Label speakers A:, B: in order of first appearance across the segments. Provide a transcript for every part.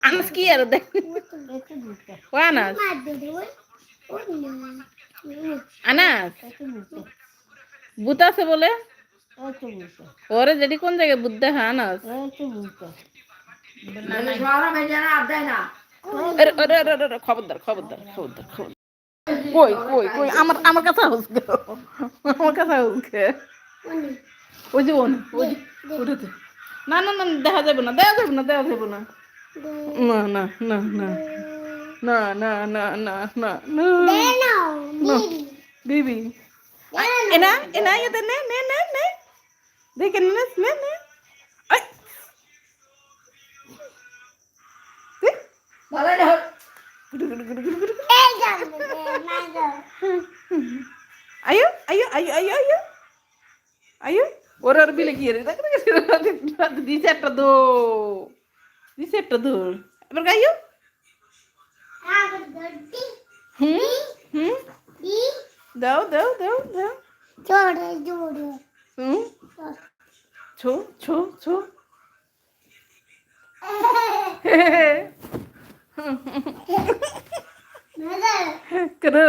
A: আনাস কি আর দেখ ও আনাস আনাস ভূত আছে বলে ওরে যেটি কোন জায়গায় ভূত দেখা আনাস খবরদার খবরদার খবরদার খবরদার কই কই কই আমার আমার কাছে আসবে আমার কাছে আসবে ওই যে ওই যে ওটাতে না না না দেখা যাবে না দেখা যাবে না দেখা যাবে না না না না না না না না না না না বিবি এনা এনা ইতে নে নে নে নে দেখে নে নে নে আই ভালো না ayo ayo ayo ayo ayo ayo orang bilang gini di set tuh berkayu dao dao dao dao cho cho cho kero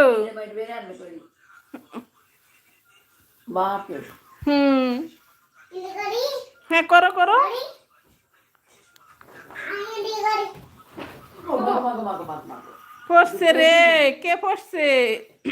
A: বাপ হ্যাঁ করো করো পড়ছে রে কে পড়ছে